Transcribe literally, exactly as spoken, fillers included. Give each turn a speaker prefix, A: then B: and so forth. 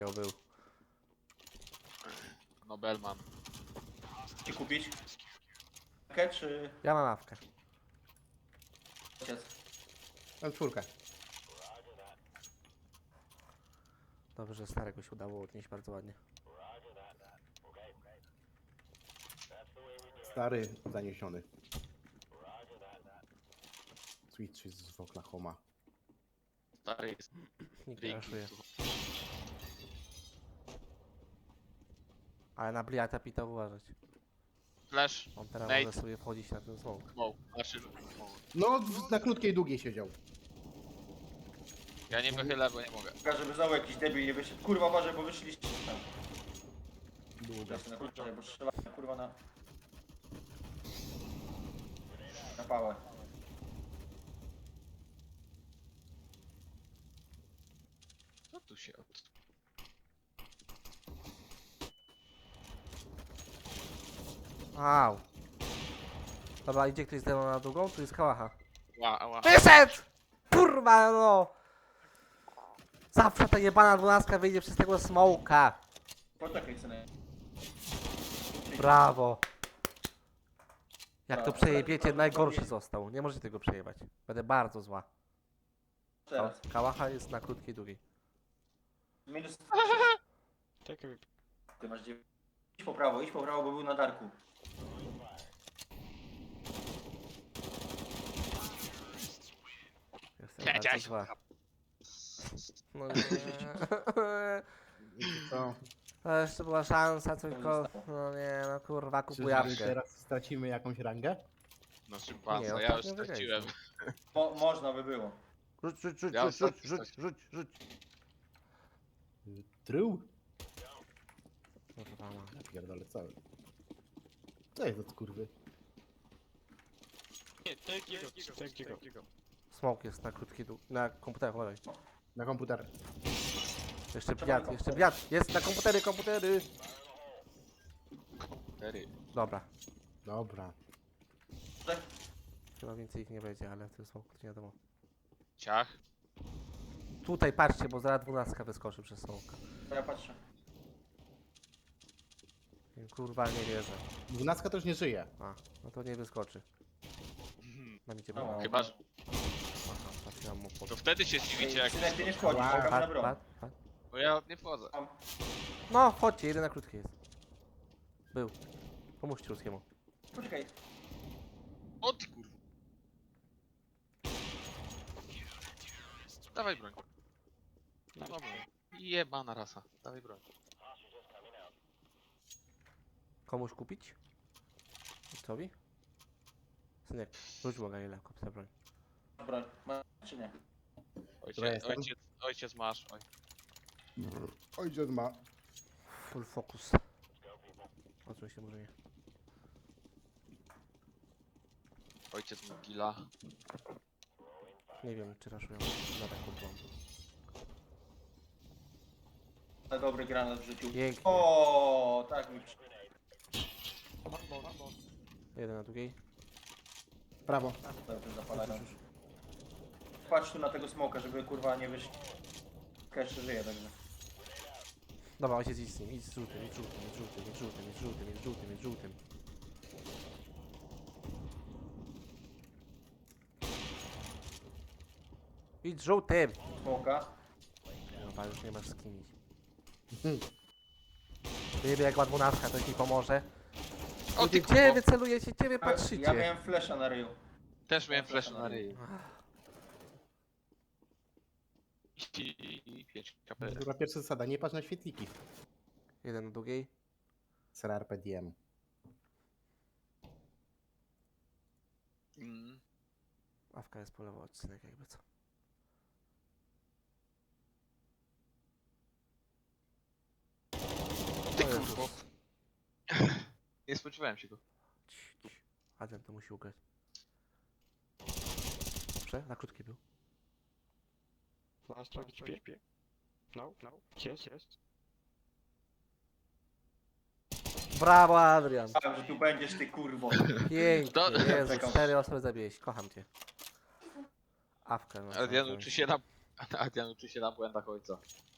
A: był.
B: Nobelman.
C: Ci kupić? Awkę czy...
A: Ja mam awkę.
C: Ojciec?
D: Mam czwórkę.
A: Dobrze, że starego się udało odnieść bardzo ładnie.
D: Stary zaniesiony. Switch jest z Oklahoma.
B: Stary jest.
A: Nikt nie
B: Ricky.
A: raszuje. Ale na Bliata Pita uważać.
B: Flash.
A: On teraz
B: Nate.
A: może sobie wchodzić na ten smoke.
B: Smoke. Znaczy, smoke.
D: No, w- na krótkiej, długiej siedział.
B: Ja nie wychylę, bo nie mogę.
C: Tylko żeby znowu jakiś debil nie wyszedł. Kurwa uważaj, bo wyszliście tam.
D: Długa.
C: Jestem na kurczę, bo strzelałem kurwa na... Na pałę.
B: Co tu się od...
A: Au. Dobra, idzie ktoś z temu na długą? Tu jest kałacha.
B: Ła, ła.
A: Wyszedł! Kurwa no! Zawsze ta jebana dwunastka wyjdzie przez tego smoka.
C: Poczekaj synek.
A: Brawo. Jak to
C: Dobra,
A: przejebiecie,
C: teraz
A: najgorszy
C: prawdopodobnie-
A: został. Nie możecie tego przejebać. Będę bardzo zła.
C: Teraz.
A: Ka- Kałacha jest na krótkiej, długiej.
C: Minus... Ty masz dziewięć. Idź po prawo, idź po prawo, bo był na darku.
A: Jestem
B: Ja,
A: bardzo
B: ja,
A: zła. No nie.
D: Wiecie co?
A: To jeszcze była szansa, tylko... No nie, no kurwa, kupuj
D: Czyżby
A: jabłkę.
D: teraz stracimy jakąś rangę?
B: No
A: Nie,
B: szympansa, ja już
A: ostatnio
B: straciłem.
C: Mo można by było.
A: Rzuć, rzuć, rzuć,
B: Ja
A: rzuć, rzuć,
B: ostatni
A: rzuć, rzuć, rzuć.
D: Trył?
A: Kurwa, ma.
D: Ja pierdolę cały. Co jest od kurwy?
A: Smoke jest na krótkiej, dłu- na komputerze, chodź.
D: Na komputer.
A: Jeszcze biat, jeszcze biat. Jest na komputery, komputery.
B: Cztery.
A: Dobra.
D: Dobra.
C: Tak?
A: Chyba więcej ich nie będzie, ale to jest smoke, to nie wiadomo.
B: Ciach.
A: Tutaj patrzcie, bo zaraz dwunastka wyskoczy przez smoke.
C: Ja patrzę.
A: Kurwa, nie wierzę.
D: Dwunastka też nie żyje.
A: A, no to nie wyskoczy. Na micie
C: No.
A: było.
B: Chyba, że...
A: Aha, trafiłam mu pod...
B: To wtedy się zdziwicie jak...
C: Synek, ty nie wchodzisz,
D: Ła,
C: czekamy na
A: Pat,
C: broń.
A: pat, pat.
B: Bo ja nie wchodzę.
A: No, chodźcie, jeden na krótki jest. Był. Pomóżcie ludzkiemu.
C: Poczekaj.
B: O ty kurwa. Dawaj broń. No dobra. Jebana rasa. Dawaj broń.
A: Komuś kupić? Cowi? Synek, rzuć go Galilea, kup sobie broń.
C: Broń. Ma czy nie?
B: Ojciec,
D: jestem.
B: ojciec, ojciec masz. Oj.
D: Ojciec ma.
A: Full focus. Odsuń się może nie.
B: Ojciec mu gila.
A: Nie wiem, czy raszują na taką broń.
C: Na dobry granat wrzucił.
A: Pięknie.
C: O, tak mi przy...
A: Jeden na drugiej.
D: Prawo.
C: Dobrze zapalają. Patrz tu na tego smoka, żeby kurwa nie wyszli. Jeszcze żyje także.
A: Dobra, ojciec idź z nim, idź z żółtym, idź z żółtym, idź z żółtym, idź z żółtym, idź z żółtym, idź z żółtym, idź z żółtym. Idź z żółtym!
C: Smoka.
A: Dobra, już nie masz z kim iść. Wiemy jak ma dwunastka, to ci pomoże.
B: O ty
A: Gdzie
B: kurwa.
A: wy celujecie, gdzie wy
C: Ja
A: patrzycie?
C: miałem flesza na ryju.
B: Też miałem flash na ryj. I, i pięć kapel.
D: Dobra, pierwsza zasada. Nie patrz na świetliki.
A: Jeden na drugiej.
D: Ser R P D M.
B: Mm.
A: Awka jest po lewo odcinek jakby co.
B: Ty
A: O Jezus.
B: kurwo. Nie spodziewałem się go.
A: Cii, cii. Adrian to musi ugrać. Dobrze, na krótki był.
E: Last target P. P. No, no. Yes, yes.
A: Brawo Adrian!
C: Wiem, że tu będziesz ty kurwo.
A: Pięknie,
B: Do-
A: Jezu,
C: Czekam.
A: cztery osoby zabiłeś, kocham cię. Awkę no.
B: Adrian
A: to-
B: uczy się na... Adrian uczy się na błędach ojca.